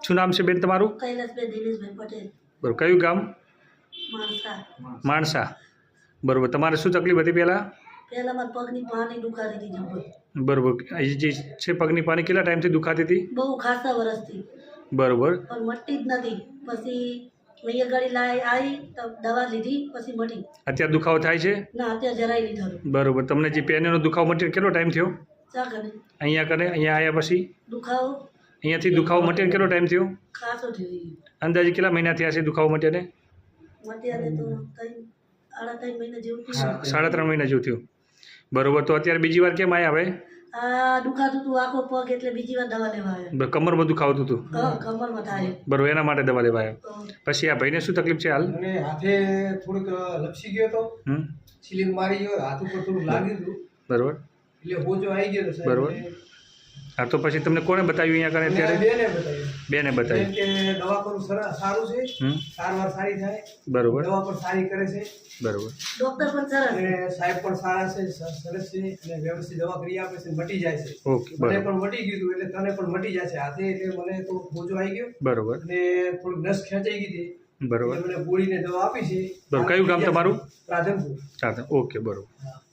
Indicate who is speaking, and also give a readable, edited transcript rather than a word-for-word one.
Speaker 1: શું નામ છે બેન તમારું?
Speaker 2: કૈલાસભાઈ દિનેશભાઈ પટેલ,
Speaker 1: બરોબર. કયું ગામ?
Speaker 2: માણસા.
Speaker 1: માણસા. બરોબર. તમારે શું તકલીફ હતી પહેલાં?
Speaker 2: પહેલા મારા પગની પાણી દુખાતી હતી જબર.
Speaker 1: બરોબર. એ જે છે પગની પાણી કેટલા ટાઈમથી દુખાતી હતી?
Speaker 2: બહુ ખાસા વર્ષથી,
Speaker 1: બરોબર.
Speaker 2: પણ મટતી જ નથી. પછી અહીંયા ગાડી આવી તો દવા લીધી, પછી મટી.
Speaker 1: અત્યારે દુખાવો થાય છે?
Speaker 2: ના, અત્યારે જરાય નહીં થતું.
Speaker 1: બરોબર. તમને જે પેનનો દુખાવો મટીને કેટલો ટાઈમ થયો?
Speaker 2: ચા કરે
Speaker 1: અહીંયા આવ્યા પછી
Speaker 2: દુખાવો
Speaker 1: અહીંયાથી દુખાવો મટીને કેટલો ટાઈમ થયો?
Speaker 2: ખાસો થયો.
Speaker 1: અંદાજે કેટલા મહિના થયા છે દુખાવો મટીને?
Speaker 2: અત્યારે તો 3.5 મહિના જેવું થયું.
Speaker 1: 3.5 મહિના જેવું થયું. બરોબર. તો અત્યારે બીજી વાર કેમ આવ્યા હવે?
Speaker 2: આ દુખાતું હતું આખો પગ, એટલે બીજી વાર દવા લેવા આવ્યા.
Speaker 1: કમરમાં દુખાવતું હતું?
Speaker 2: હા, કમરમાં થાય.
Speaker 1: બરોબર. એના માટે દવા લેવા આવ્યા. પછી આ ભાઈને શું તકલીફ છે હાલ?
Speaker 3: અને હાથે થોડુંક લપસી ગયો તો, સિલિંગ મારી ગયો, હાથ ઉપર થોડું લાગ્યું હતું.
Speaker 1: બરોબર.
Speaker 3: એટલે હોજો આવી ગયો તો
Speaker 1: બરોબર. હા, તો પછી તમને કોને બતાવ્યું અહીંયા કને અત્યારે?
Speaker 3: બેને બતાવ્યું.
Speaker 1: બેને બતાવ્યું
Speaker 3: કે દવા કરું સારું છે, સારવાર સારી થાય.
Speaker 1: બરોબર.
Speaker 3: દવા પણ સારી કરે છે.
Speaker 1: બરોબર.
Speaker 2: ડોક્ટર પણ સરસ,
Speaker 3: અને સાહેબ પણ સારા છે, સરસ છે, અને વ્યવસ્થિત દવા કરી આપે છે, મટી જાય છે.
Speaker 1: ઓકે.
Speaker 3: મને
Speaker 1: બરોબર.
Speaker 3: પણ મટી ગયું હતું, એટલે તને પણ મટી જાય છે હાથે. એટલે મને તો હોજો આવી ગયો
Speaker 1: બરોબર.
Speaker 3: અને થોડીક નસ ખેંચાઈ ગઈ હતી.
Speaker 1: બરોબર.
Speaker 3: એટલે મને ગોળીને દવા આપી છે.
Speaker 1: બરોબર. કયું ગામ તમારું?
Speaker 3: રાધનપુર.
Speaker 1: ઓકે. બરોબર.